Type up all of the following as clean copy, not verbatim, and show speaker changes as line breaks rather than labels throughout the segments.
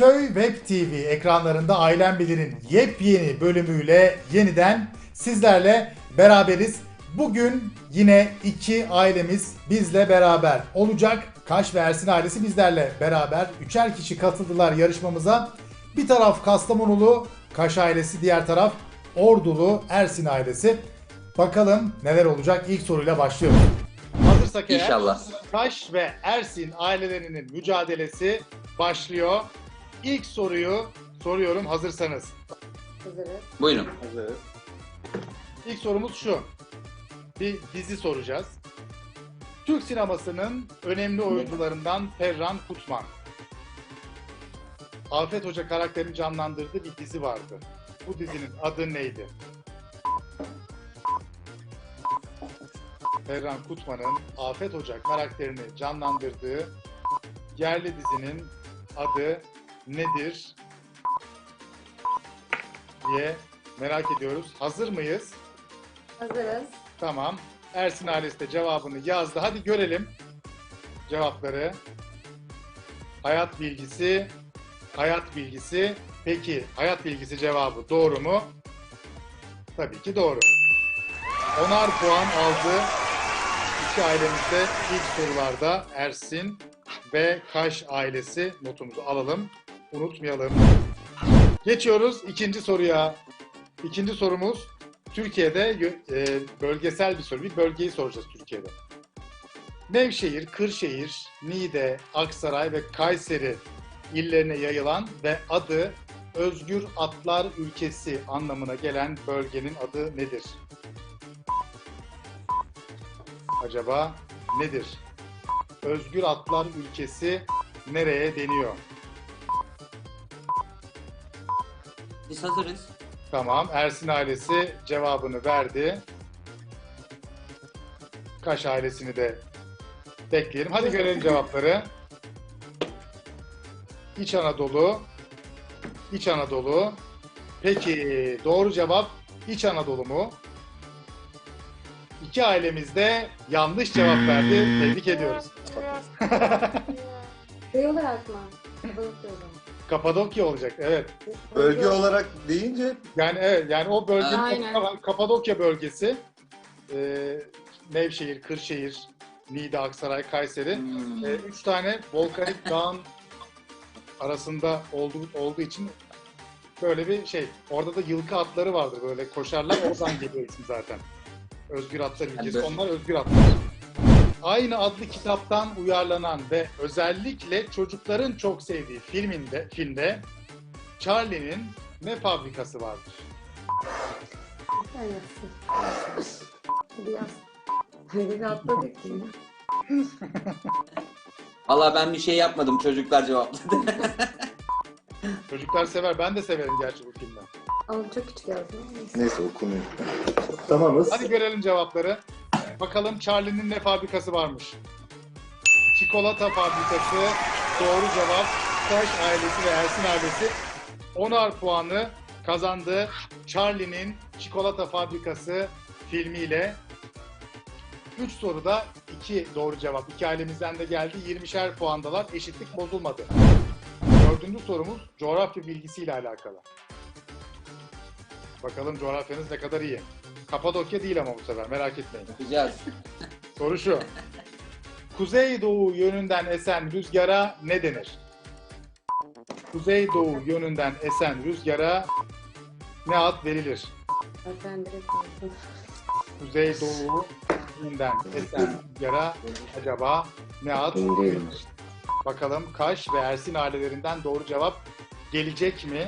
Köy Web TV ekranlarında Ailem Bilir'in yepyeni bölümüyle yeniden sizlerle beraberiz. Bugün yine iki ailemiz bizle beraber olacak. Kaş ve Ersin ailesi bizlerle beraber. Üçer kişi katıldılar yarışmamıza. Bir taraf Kastamonulu Kaş ailesi, diğer taraf Ordulu Ersin ailesi. Bakalım neler olacak? İlk soruyla başlıyoruz. Hazırsak eğer
İnşallah.
Kaş ve Ersin ailelerinin mücadelesi başlıyor. İlk soruyu soruyorum hazırsanız.
Hazırız.
Buyurun.
İlk sorumuz şu. Bir dizi soracağız. Türk sinemasının önemli oyuncularından Ferhan Kutman. Afet Hoca karakterini canlandırdığı bir dizi vardı. Bu dizinin adı neydi? Ferhan Kutman'ın Afet Hoca karakterini canlandırdığı yerli dizinin adı nedir diye merak ediyoruz. Hazır mıyız?
Hazırız.
Tamam. Ersin ailesi de cevabını yazdı. Hadi görelim cevapları. Hayat bilgisi, hayat bilgisi. Peki hayat bilgisi cevabı doğru mu? Tabii ki doğru. 10'ar puan aldı. İki ailemizde ilk sorularda Ersin ve Kaş ailesi, notumuzu alalım. Unutmayalım. Geçiyoruz ikinci soruya. İkinci sorumuz Türkiye'de bölgesel bir soru. Bir bölgeyi soracağız Türkiye'de. Nevşehir, Kırşehir, Niğde, Aksaray ve Kayseri illerine yayılan ve adı Özgür Atlar Ülkesi anlamına gelen bölgenin adı nedir? Acaba nedir? Özgür Atlar Ülkesi nereye deniyor?
Biz hazırız.
Tamam, Ersin ailesi cevabını verdi. Kaş ailesini de bekleyelim. Hadi görelim cevapları. İç Anadolu, İç Anadolu. Peki doğru cevap İç Anadolu mu? İki ailemiz de yanlış cevap verdi. Tebrik ediyoruz.
Şey olarak mı? Kapadokya olarak.
Kapadokya olacak, evet.
Bölge olarak deyince
Yani evet, yani o bölgenin
Aynen.
Kapadokya bölgesi, Nevşehir, Kırşehir, Niğde, Aksaray, Kayseri. Üç tane volkanik dağın arasında olduğu için böyle bir şey. Orada da yılkı atları vardır, böyle koşarlar. Oradan geliyor isim zaten. Özgür Atlar Ülkesi.
Evet.
Onlar Özgür Atlar. Aynı adlı kitaptan uyarlanan ve özellikle çocukların çok sevdiği filmde Charlie'nin ne fabrikası vardır?
Sen yazsın. Hadi yaz. Hadi atladık ki.
Valla ben bir şey yapmadım. Çocuklar cevapladı.
Çocuklar sever. Ben de severim gerçi bu filmi.
Ama çok küçük yazdım. Neyse.
neyse okumuyor. Tamamız.
Hadi görelim cevapları. Bakalım Charlie'nin ne fabrikası varmış? Çikolata fabrikası. Doğru cevap. Kaş ailesi ve Ersin ailesi 10'ar puanı kazandı. Charlie'nin Çikolata Fabrikası filmiyle 3 soruda 2 doğru cevap. İki ailemizden de geldi. 20'şer puandalar. Eşitlik bozulmadı. Dördüncü sorumuz coğrafya bilgisiyle alakalı. Bakalım coğrafyanız ne kadar iyi. Kapadokya değil ama bu sefer, merak etmeyin.
Yapacağız.
Soru şu. Kuzeydoğu yönünden esen rüzgara ne denir? Kuzeydoğu yönünden esen rüzgara ne ad verilir?
Sen direkt yazdın.
Kuzeydoğu yönünden esen rüzgara acaba ne ad verilir? Bakalım Kaş ve Ersin ailelerinden doğru cevap gelecek mi?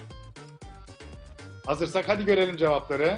Hazırsak hadi görelim cevapları.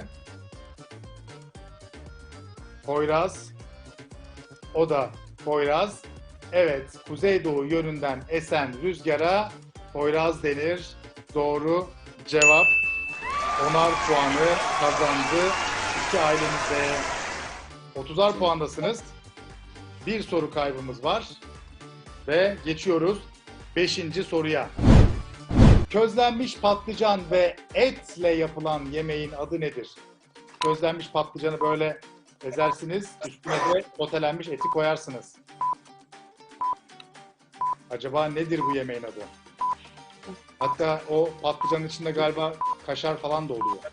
Poyraz. O da Poyraz. Evet, kuzeydoğu yönünden esen rüzgara Poyraz denir. Doğru cevap. 10'ar puanı kazandı. İki ailemizde 30'ar puandasınız. Bir soru kaybımız var. Ve geçiyoruz 5. soruya. Közlenmiş patlıcan ve etle yapılan yemeğin adı nedir? Közlenmiş patlıcanı böyle ezersiniz, üstüne de sotelenmiş eti koyarsınız. Acaba nedir bu yemeğin adı? Hatta o patlıcanın içinde galiba kaşar falan da oluyor.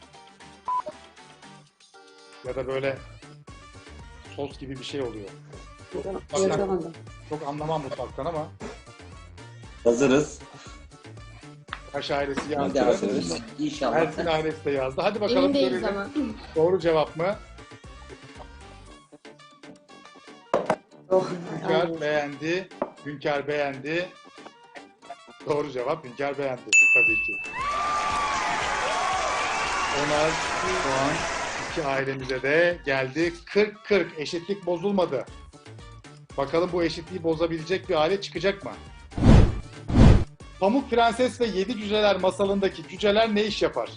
Ya da böyle sos gibi bir şey oluyor.
Yazamadım.
Çok anlamam mutfaktan ama
Hazırız.
Kaş ailesi
Hadi
yazdı.
hazırız. İnşallah.
Ersin ailesi de yazdı. Hadi bakalım
Emin değiliz
görelim.
ama.
Doğru cevap mı?
Oh,
Hünkar
aynen.
beğendi. Hünkar beğendi. Doğru cevap Hünkar beğendi tabii ki. 10'ar puan iki ailemize de geldi. 40-40 eşitlik bozulmadı. Bakalım bu eşitliği bozabilecek bir aile çıkacak mı? Pamuk Prenses ve Yedi Cüceler masalındaki cüceler ne iş yapar?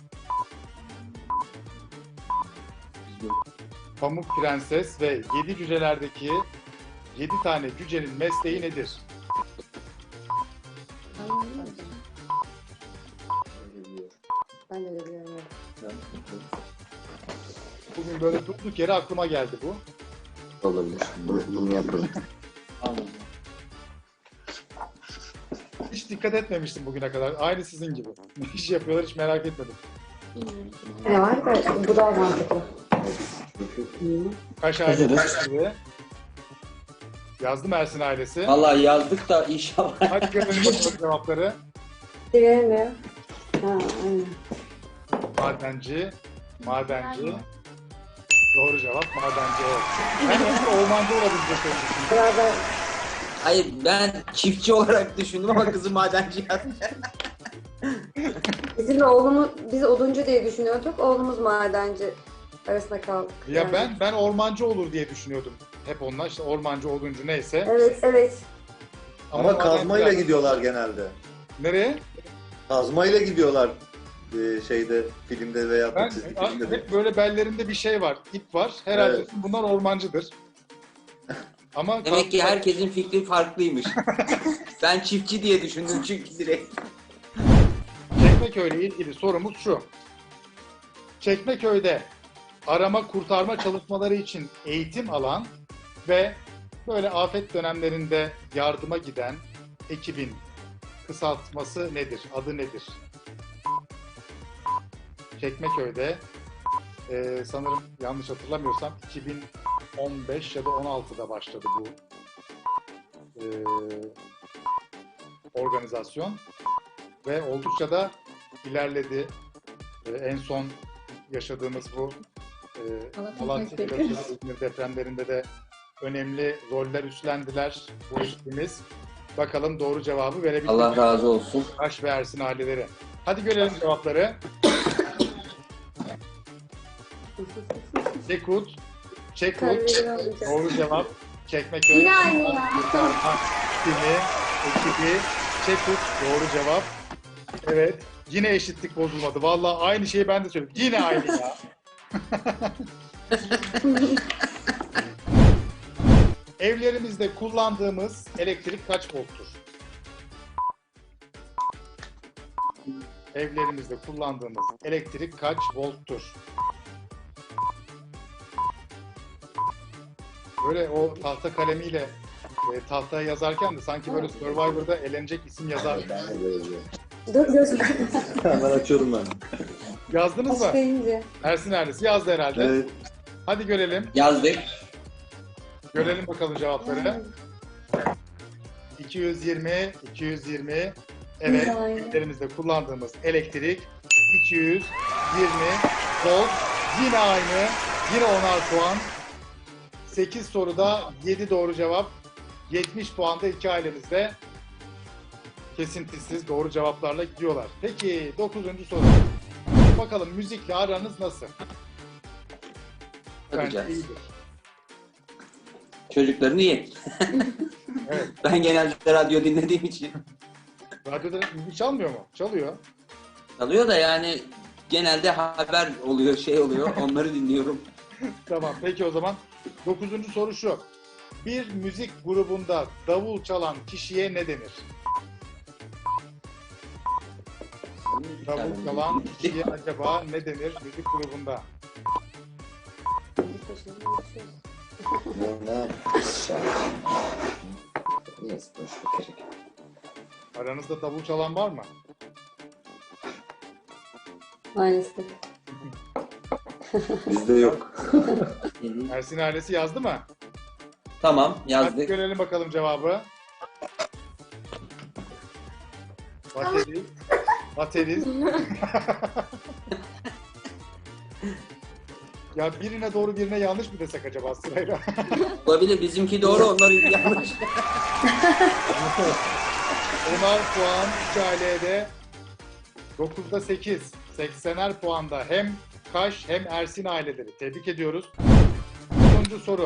Pamuk Prenses ve Yedi Cüceler'deki 7 tane cücenin mesleği nedir?
Ben de öyle biliyorum. evet.
Bugün böyle durduk yere aklıma geldi bu.
Olabilir. Bunu yapalım.
Anladım.
Hiç dikkat etmemiştim bugüne kadar. Aynı sizin gibi. Ne iş yapıyorlar hiç merak etmedim.
Ne var da bu daha mantıklı.
Kaş
Hazırız.
ailesi yazdım Ersin ailesi.
Vallahi yazdık da inşallah.
Hadi görelim bakalım cevapları.
Bilmiyor. Ha, aynen.
Madenci. Doğru cevap madenci. Evet. Ben de ormancı olabilecek düşündüm.
Biraz da
Hayır ben çiftçi olarak düşündüm ama kızı madenci yazdı.
bizim de oğlumuz, biz oduncu diye düşünüyorduk. Oğlumuz madenci arasında kaldık.
Ya
yani.
ben ormancı olur diye düşünüyordum. Hep onlar işte ormancı, oduncu neyse.
Evet, evet.
Ama
madenci
kazmayla
yazdım.
gidiyorlar genelde.
Nereye?
Kazmayla gidiyorlar şeyde, filmde veya
Ben
çizgi filmde de.
hep böyle bellerinde bir şey var, ip var. Herhalde
Evet.
bunlar ormancıdır. Ama
Demek ki herkesin fikri farklıymış. Ben çiftçi diye düşündüm çünkü direkt.
Çekmeköy ile ilgili sorumuz şu. Çekmeköy'de arama kurtarma çalışmaları için eğitim alan ve böyle afet dönemlerinde yardıma giden ekibin kısaltması nedir? Adı nedir? Çekmeköy'de sanırım yanlış hatırlamıyorsam 2015 ya da 16'da başladı bu organizasyon ve oldukça da ilerledi. En son yaşadığımız bu Malatya İzmir depremlerinde de önemli roller üstlendiler bu ekibimiz. Bakalım doğru cevabı verebilecek
Allah razı olsun.
Kaş ve Ersin aileleri. Hadi görelim cevapları. Çekut. Doğru cevap. Çekmeköy.
Yine aynı ya.
Kurtarma Timi, ekibi. Çekut. Doğru cevap. Evet. Yine eşitlik bozulmadı. Vallahi aynı şeyi ben de söyledim. Yine aynı ya. Evlerimizde kullandığımız elektrik kaç volttur? Evlerimizde kullandığımız elektrik kaç volttur? Böyle o tahta kalemiyle tahtaya yazarken de sanki böyle Survivor'da elenecek isim yazar.
Dur gözüm.
Hemen açıyorum ben.
Yazdınız mı?
Açlayınca.
Ersin Erdis yazdı herhalde.
Evet.
Hadi görelim.
Yazdık.
Görelim bakalım cevapları. 220. Evet,
Aynen.
evlerimizde kullandığımız elektrik 220 volt. Yine aynı. Yine 10'ar puan. 8 soruda 7 doğru cevap. 70 puanda iki ailemizde kesintisiz doğru cevaplarla gidiyorlar. Peki 9. soru. Bakalım müzikle aranız nasıl? Bence
Bakacağız.
iyidir.
Çocukların iyi.
Evet.
Ben genelde radyo dinlediğim için.
Radyoda müzik çalmıyor mu? Çalıyor.
Çalıyor da yani genelde haber oluyor, şey oluyor. Onları dinliyorum.
Tamam. Peki o zaman 9. soru şu. Bir müzik grubunda davul çalan kişiye ne denir? Davul çalan kişiye acaba ne denir müzik grubunda? Aranızda davul çalan var mı?
Maalesef.
Bizde yok.
Ersin ailesi yazdı mı?
Tamam
Hadi
yazdık.
görelim bakalım cevabı. Bateri. Bateri. Ya birine doğru birine yanlış mı desek acaba sırayla?
Olabilir, bizimki doğru, onları yanlış.
10'ar puan 2 ailede. 9'da 8. 80'er puanda hem Kaş hem Ersin aileleri. Tebrik ediyoruz. 10. soru.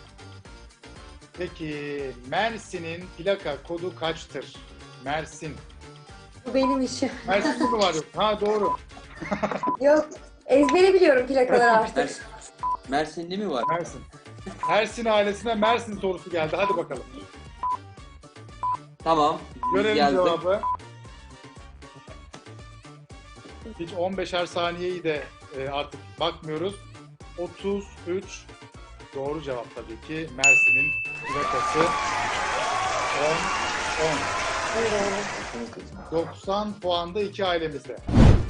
Peki Mersin'in plaka kodu kaçtır? Mersin.
Bu benim işim.
Mersin'de mi var yok? Ha doğru.
Yok. Ezbere biliyorum plakaları artık.
Mersin'de mi var?
Mersin. Ersin ailesine Mersin sorusu geldi. Hadi bakalım.
Tamam. Biz
Görelim
yazdık.
cevabı. Hiç 15'er saniyeyi de artık bakmıyoruz. 33 doğru cevap tabii ki. Mersin'in plakası 10. 90 puanda iki ailemizde.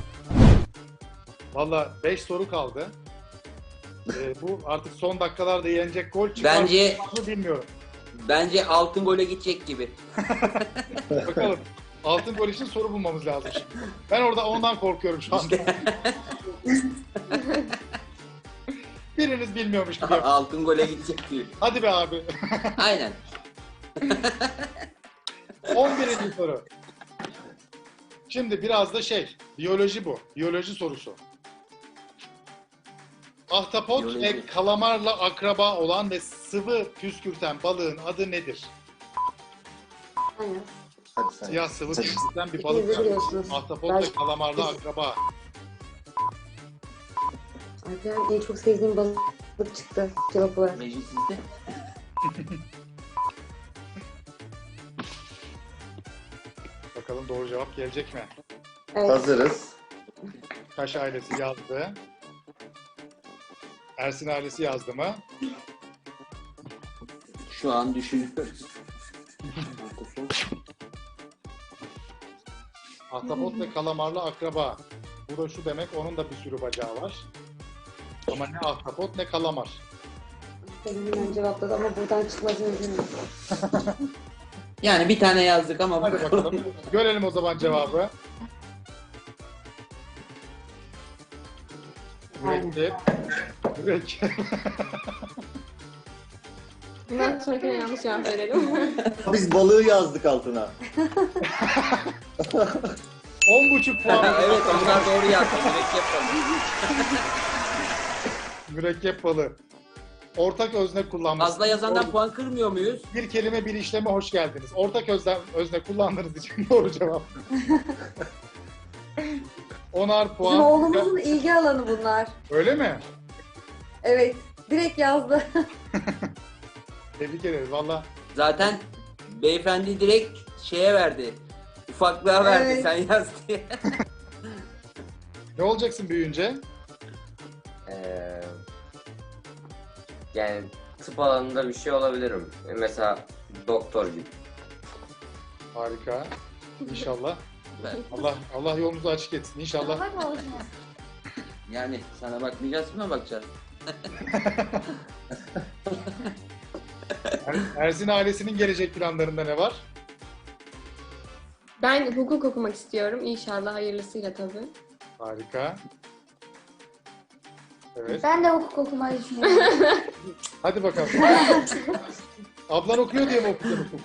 Valla 5 soru kaldı. Bu artık son dakikalarda yenecek gol çıkar
Bence-
mı bilmiyorum.
Bence altın gole gidecek gibi.
Bakalım. Altın gol için soru bulmamız lazım. Ben orada ondan korkuyorum şu anda. Biriniz bilmiyormuş gibi.
Altın gole gidecek gibi.
Hadi be abi.
Aynen.
11. soru. Şimdi biraz da biyoloji bu. Biyoloji sorusu. Ahtapot
Biyoloji.
ve kalamarla akraba olan ve sıvı püskürten balığın adı nedir?
Aynen.
Hadi sen.
Siyah sıvı püskürten bir
İkiniz
balık
de
var.
biliyorsunuz.
Ahtapot
Ben-
ve kalamarla akraba.
Alperen en çok sevdiğim balık çıktı cevap olarak.
Meclisinde.
Bakalım doğru cevap gelecek mi?
Evet.
Hazırız.
Kaş ailesi yazdı. Ersin ailesi yazdı mı?
Şu an düşünüyoruz.
Ahtapot ve kalamarla akraba. Bu da şu demek, onun da bir sürü bacağı var. Ama ne ahtapot ne kalamar.
Benim hemen cevapladı ama buradan çıkmaz mümkün değil.
Yani bir tane yazdık ama
Hadi bakalım. Görelim o zaman cevabı. Mürekkep. Mürekkep.
Bundan sonrakine yanlış cevap verelim.
Biz balığı yazdık altına.
10,5 puan.
evet, onlar doğru yazdı. Mürekkep balığı.
Mürekkep balığı. Ortak özne kullanmış.
Fazla yazandan puan kırmıyor muyuz?
Bir kelime bir işleme hoş geldiniz. Ortak özne kullandığınız için doğru cevap. 10'ar
Bizim
puan.
oğlumuzun ilgi alanı bunlar.
Öyle mi?
Evet. Direkt yazdı.
Tebrik ederiz. Valla
Zaten beyefendi direkt şeye verdi. Ufaklığa verdi,
Evet.
sen yaz diye.
ne olacaksın büyüyünce?
Yani tıp alanında bir şey olabilirim. Mesela doktor gibi.
Harika. İnşallah. Allah yolunuzu açık etsin. İnşallah.
Yani sana bakmayacağız, kime bakacağız?
Ersin ailesinin gelecek planlarında ne var?
Ben hukuk okumak istiyorum. İnşallah hayırlısıyla tabii.
Harika. Evet.
Ben de hukuk okumayı düşünüyorum.
Hadi bakalım. Ablan okuyor diye mi okudun hukuk?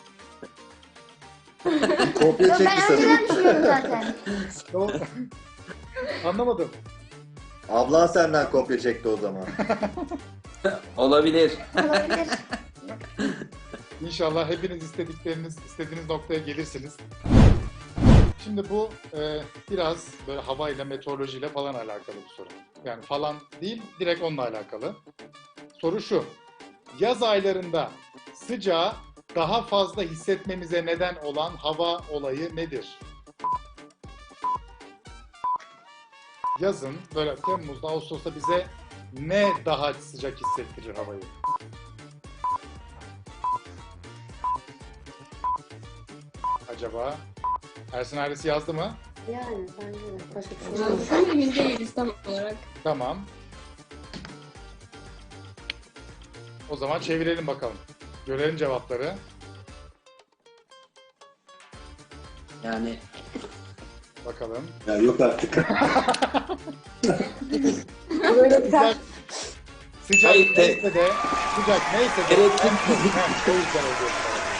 Kopya
Yok,
çekti
ben
sanırım.
önceden düşünüyordum zaten.
Ne oldu? Anlamadım.
Ablan senden kopya çekti o zaman.
Olabilir.
Olabilir.
İnşallah hepiniz istediğiniz noktaya gelirsiniz. Şimdi bu biraz böyle havayla, meteorolojiyle falan alakalı bir soru. Yani falan değil, direkt onunla alakalı. Soru şu. Yaz aylarında sıcağı daha fazla hissetmemize neden olan hava olayı nedir? Yazın, böyle Temmuz'da, Ağustos'ta bize ne daha sıcak hissettirir havayı? Acaba Ersin ailesi yazdı mı?
Yani bence de. Başka bir şey
Yani
yok.
şu an emin değiliz tam olarak.
Tamam. O zaman çevirelim bakalım. Görelim cevapları.
Yani
Bakalım.
Ya yok artık.
Böyle biter.
Sıcak
Hayır,
neyse de, sıcak neyse de.
Tereddüt.
O yüzden oluyor.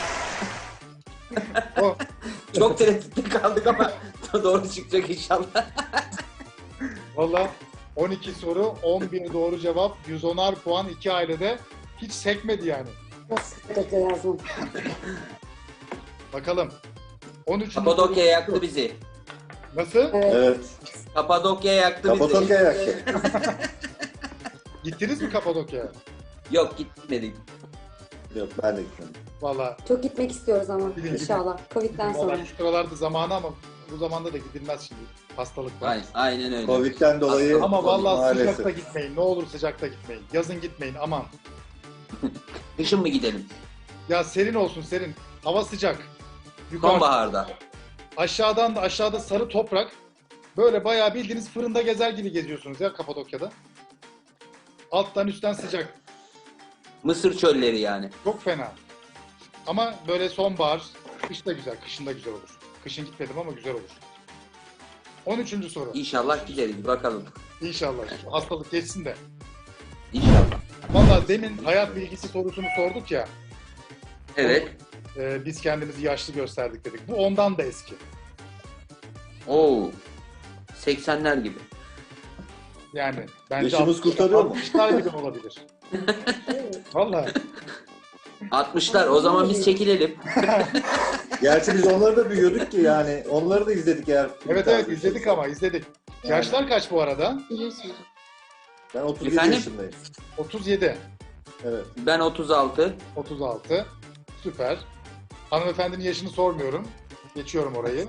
O,
çok tereddütte kaldık ama doğru çıkacak inşallah.
valla 12 soru, 11 doğru cevap, 110'ar puan, 2 ailede hiç sekmedi yani.
Nasıl kötü yazdım.
Bakalım. 13.
Kapadokya yaktı bizi.
Nasıl?
Evet.
Evet.
Kapadokya yaktı bizi.
Kapadokya yaktı.
Gittiniz mi Kapadokya'ya?
Yok gitmedik.
Yok ben de gitmedim.
Valla
Çok gitmek istiyoruz ama
Gidin,
inşallah. Covid'den sonra.
valla şu sıralarda zamanı ama bu zamanda da gidilmez şimdi. Hastalık var.
Aynen öyle.
Covid'den dolayı
Ama vallahi
maalesef.
sıcakta gitmeyin. Ne olur sıcakta gitmeyin. Yazın gitmeyin aman.
Kışın mı gidelim?
Ya serin olsun serin. Hava sıcak. Yukarı,
Sonbaharda.
aşağıda sarı toprak. Böyle bayağı bildiğiniz fırında gezer gibi geziyorsunuz ya Kapadokya'da. Alttan üstten sıcak.
Mısır çölleri yani.
Çok fena. Ama böyle sonbahar, kış da güzel, kışın da güzel olur. Kışın gitmedim ama güzel olur. 13. soru.
İnşallah gideriz bakalım.
İnşallah. Şu hastalık geçsin de.
İnşallah.
Valla demin hayat bilgisi sorusunu sorduk ya.
Evet.
Biz kendimizi yaşlı gösterdik dedik. Bu ondan da eski.
Oo. 80'ler gibi.
Yani bence
Yaşımız kurtarıyor mu?
60'lar gibi olabilir. Valla.
60'lar. O zaman biz çekilelim.
Gerçi biz onları da büyüyorduk ki yani. Onları da izledik eğer.
Evet izledik ama izledik.
Yani.
Yaşlar kaç bu arada?
Biliyorsunuz.
Ben 37
Efendim?
yaşındayım.
37,
Evet.
Ben 36.
36. Süper. Hanımefendinin yaşını sormuyorum. Geçiyorum orayı.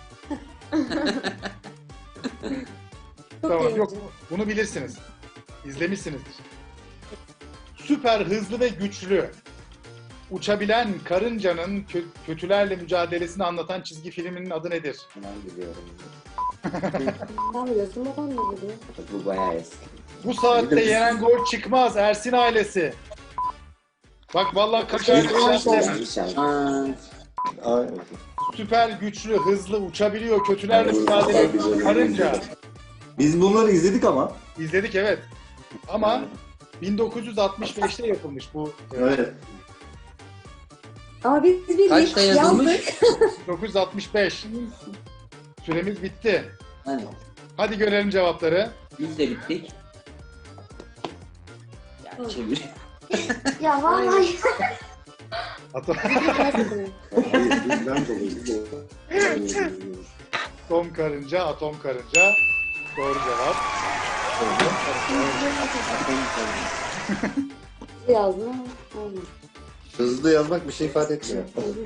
Çok
Tamam,
iyi.
yok. Bunu bilirsiniz. İzlemişsinizdir. Süper hızlı ve güçlü. Uçabilen karıncanın kötülerle mücadelesini anlatan çizgi filminin adı nedir?
Ben biliyorum.
Sen biliyorsun, babam da biliyor.
Bu bayağı eski.
Bu saatte yenen gol çıkmaz Ersin ailesi. Bak vallahi kaç aydır
Aa,
Aynen.
süper güçlü, hızlı, uçabiliyor, kötülerle mücadele ediyor. Karınca.
Biz bunları izledik ama.
İzledik evet. Ama 1965'te yapılmış bu.
Evet.
Ama biz bir
Kaçta yazılmış?
yazdık.
1965. Süremiz bitti.
hani
Hadi görelim cevapları.
biz de bittik. Ya çevir.
Ya vallahi.
Atom,
Bizden dolayı.
atom karınca, atom karınca. Doğru cevap.
yazdım ama olmadı.
Hızlı yazmak bir şey ifade etmiyor.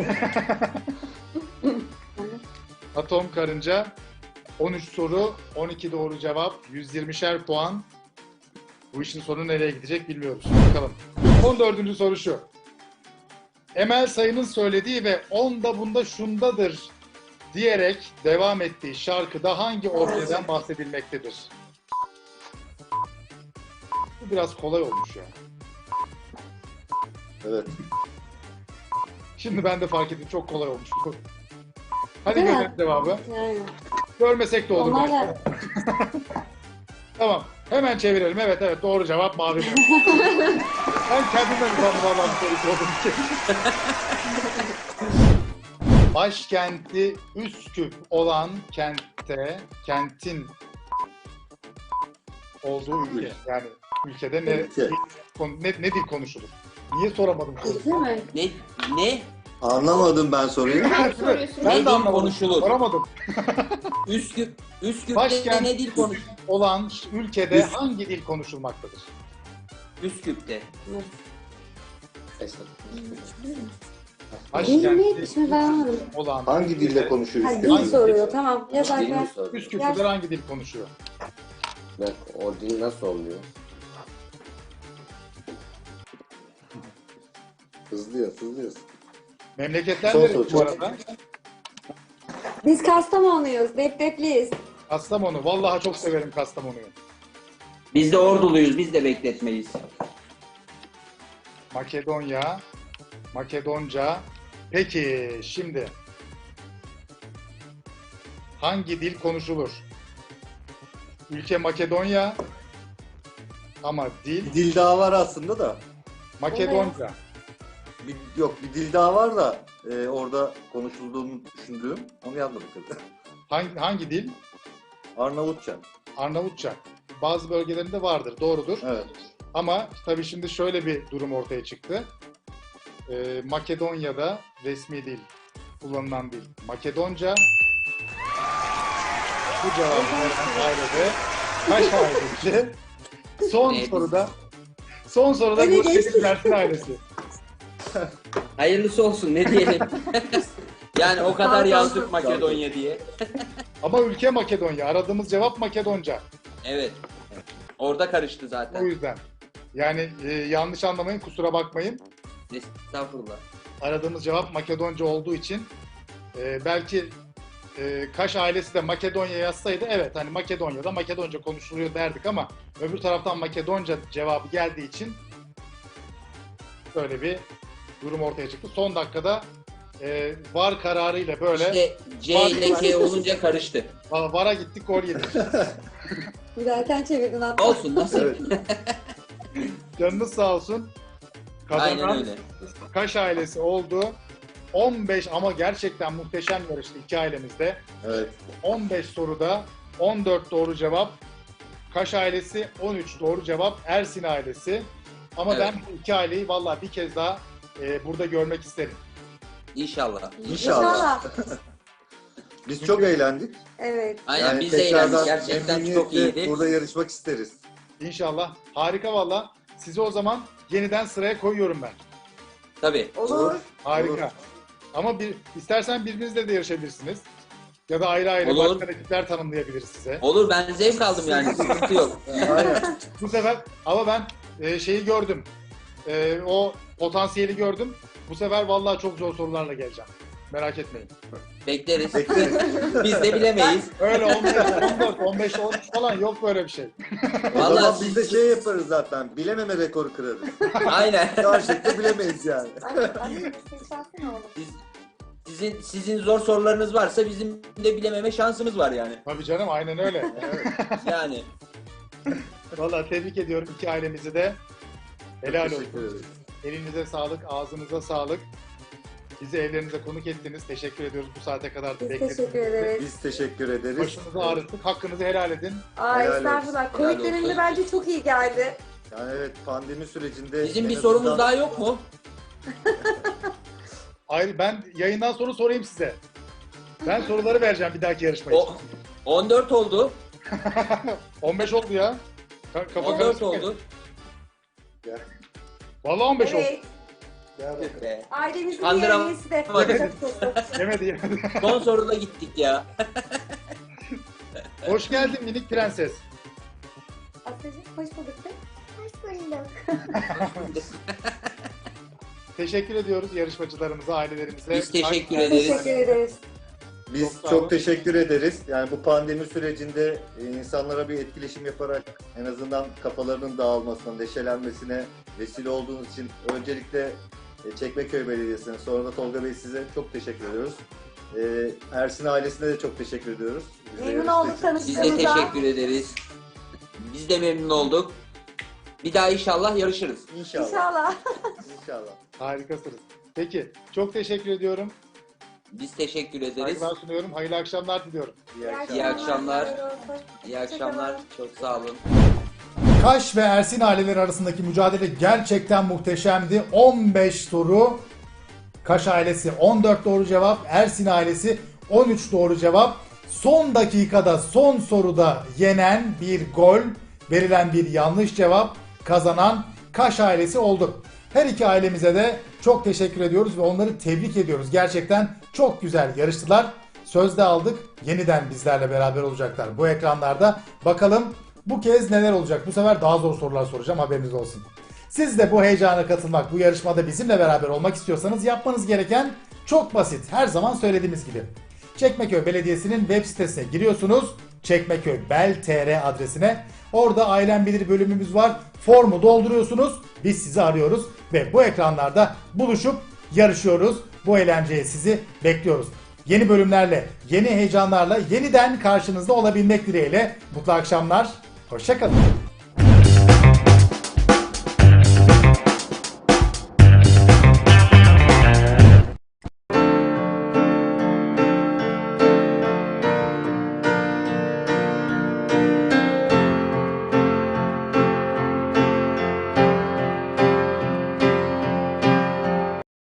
Atom karınca. 13 soru, 12 doğru cevap, 120'şer puan. Bu işin sonu nereye gidecek bilmiyoruz. Bakalım. 14. soru şu. Emel Sayın'ın söylediği ve onda bunda şundadır diyerek devam ettiği şarkıda hangi objeden bahsedilmektedir? Bu biraz kolay olmuş ya.
Evet.
Şimdi ben de fark ettim çok kolay olmuş bu. Hadi
Değil mi?
görelim cevabı.
Yani.
Görmesek de olur.
Onlar
belki.
da
Tamam. Hemen çevirelim. Evet doğru cevap mavi mum. Ben kendimden utandım Allah'ım soruyu sordum ki. Başkenti Üsküp olan kentin olduğu ülke. Yani ülkede
Ülke.
ne dil konuşulur? Niye soramadım soruyu?
değil mi?
Ne?
Anlamadım ben soruyu.
Soruyorsun.
Ben
Ne
de
dil
anlamadım.
konuşulur?
Soramadım.
Üsküp'te
Başkent-
ne dil konuşulur?
Olan ülkede hangi dil konuşulmaktadır?
Üsküp'te.
Değil mi? Şimdi ben anladım.
olan
Hangi dilde konuşuyor
Ha,
Üsküp?
dil soruyor. Tamam.
Dil
Yazarken.
mi soruyor?
Üsküp'teler hangi dil konuşuyor?
Bak o dil nasıl oluyor?
Hızlı yaz, hızlı yaz.
Memleketler
Son
neresi
soru,
bu
çok-
arada?
Biz Kastamonluyuz. Depdepliyiz.
Kastamonu. Vallahi çok severim Kastamonu'yu.
Biz de orduluyuz, biz de bekletmeyiz.
Makedonya, Makedonca. Peki şimdi hangi dil konuşulur? Ülke Makedonya ama dil
Bir dil daha var aslında da.
Makedonca.
Yok bir dil daha var da orada konuşulduğunu düşündüğüm. Onu yazmadık.
Hangi dil?
Arnavutça.
Arnavutça. Bazı bölgelerinde vardır, doğrudur.
Evet.
Ama tabii şimdi şöyle bir durum ortaya çıktı. Makedonya'da resmi dil, kullanılan dil Makedonca. Bu cevabı veren ailede kaç ailesi? Son
Evet.
soruda
Öyle
bu
geçti.
Ersin ailesi.
Hayırlısı olsun, ne diyelim. Yani o kadar
Sağ
yazdık
olsun.
Makedonya diye.
Ama ülke Makedonya. Aradığımız cevap Makedonca.
Evet. Orada karıştı
O
zaten.
yüzden. Yani yanlış anlamayın, kusura bakmayın.
Estağfurullah.
Aradığımız cevap Makedonca olduğu için belki Kaş ailesi de Makedonya yazsaydı evet hani Makedonya'da Makedonca konuşuluyor derdik ama öbür taraftan Makedonca cevabı geldiği için böyle bir durum ortaya çıktı. Son dakikada VAR kararıyla böyle
İşte C ile K olunca karıştı.
VAR'a gittik, gol yedik.
Zaten çevirdin hatta.
Olsun, nasıl?
Evet.
Canınız sağ olsun.
Aynen
Kazanan
öyle.
Kaş ailesi oldu. 15 ama gerçekten muhteşem yarıştı iki ailemizde.
Evet.
15 soruda 14 doğru cevap. Kaş ailesi 13 doğru cevap. Ersin ailesi. Ama
Evet.
ben bu iki aileyi vallahi bir kez daha burada görmek isterim.
İnşallah.
İnşallah. Biz çok eğlendik.
Evet.
Aynen, biz de
tekrardan
eğlendik. Gerçekten çok
memnuniyetle
iyiydi.
burada yarışmak isteriz.
İnşallah. Harika valla. Sizi o zaman yeniden sıraya koyuyorum ben.
Tabii.
Olur.
Harika.
Olur.
Ama istersen birbirinizle de yarışabilirsiniz. Ya da ayrı ayrı
Olur.
başka rakipler tanımlayabiliriz size.
Olur, ben zevk aldım yani. Sıkıntı yok.
Aynen.
Bu sefer ama ben şeyi gördüm. O potansiyeli gördüm. Bu sefer vallahi çok zor sorularla geleceğim. Merak etmeyin.
Bekleriz.
Bekleriz.
Biz de bilemeyiz.
Öyle 15, 14, 15, 13 falan yok böyle bir şey.
O zaman
Vallahi
biz de şey yaparız zaten. Bilememe rekoru kırarız.
Aynen.
Gerçekten bilemeyiz yani.
Sizin zor sorularınız varsa bizim de bilememe şansımız var yani.
Tabii canım aynen öyle. Evet.
Yani.
Vallahi tebrik ediyorum iki ailemizi de. Helal
Teşekkür
olsun.
ederiz.
Elinize sağlık, ağzınıza sağlık. Bizi evlerinize konuk ettiniz. Teşekkür ediyoruz bu saate kadar da
Biz
beklediniz.
teşekkür ederiz.
Biz teşekkür ederiz.
Başınızı ağrıttık. Hakkınızı helal edin.
Aa,
Helal
estağfurullah.
olsun.
Covid
Helal
döneminde
olsun.
bence çok iyi geldi.
Yani evet pandemi sürecinde...
Bizim
en
bir
azından-
sorumuz daha yok mu?
Ayrı ben yayından sonra sorayım size. Ben soruları vereceğim bir dahaki yarışma için.
O 14 oldu.
15 oldu ya. Kafa
14
karışık.
oldu.
Vallahi 15 oldu.
Evet.
Gel bakalım.
Be.
Ailemizin bir
Kandıram-
üyesi de.
Yemedi.
Yemedi.
Son soruda gittik ya.
Hoş geldin minik prenses.
Asya'cığım hoş bulduk.
Hoş bulduk.
Teşekkür ediyoruz yarışmacılarımıza, ailelerimize.
Biz teşekkür
Teşekkür
ederiz.
ederiz.
Biz
Çok sağ
çok
olun.
teşekkür ederiz. Yani bu pandemi sürecinde insanlara bir etkileşim yaparak en azından kafalarının dağılmasına, neşelenmesine vesile olduğunuz için öncelikle Çekmeköy Belediyesi'ne, sonra da Tolga Bey size çok teşekkür ediyoruz. Ersin ailesine de çok teşekkür ediyoruz. Bize
Memnun
yarıştığı
olduk
için.
Biz de
tanıştığımıza.
teşekkür ederiz. Biz de memnun olduk. Bir daha inşallah yarışırız.
İnşallah.
İnşallah.
İnşallah.
Harikasınız. Peki, çok teşekkür ediyorum.
Biz teşekkür ederiz.
Saygılar sunuyorum. Hayırlı akşamlar diliyorum.
İyi akşamlar.
Hayırlı olsun.
İyi akşamlar. Çok sağ olun.
Kaş ve Ersin aileleri arasındaki mücadele gerçekten muhteşemdi. 15 soru. Kaş ailesi 14 doğru cevap. Ersin ailesi 13 doğru cevap. Son dakikada son soruda yenen bir gol, verilen bir yanlış cevap, kazanan Kaş ailesi oldu. Her iki ailemize de çok teşekkür ediyoruz ve onları tebrik ediyoruz. Gerçekten çok güzel yarıştılar. Sözde aldık. Yeniden bizlerle beraber olacaklar bu ekranlarda. Bakalım bu kez neler olacak? Bu sefer daha zor sorular soracağım, haberiniz olsun. Siz de bu heyecana katılmak, bu yarışmada bizimle beraber olmak istiyorsanız yapmanız gereken çok basit. Her zaman söylediğimiz gibi. Çekmeköy Belediyesi'nin web sitesine giriyorsunuz. Çekmeköy Bel.tr adresine. Orada Ailem Bilir bölümümüz var. Formu dolduruyorsunuz. Biz sizi arıyoruz ve bu ekranlarda buluşup yarışıyoruz. Bu eğlenceye sizi bekliyoruz. Yeni bölümlerle, yeni heyecanlarla yeniden karşınızda olabilmek dileğiyle. Mutlu akşamlar. Hoşça kalın.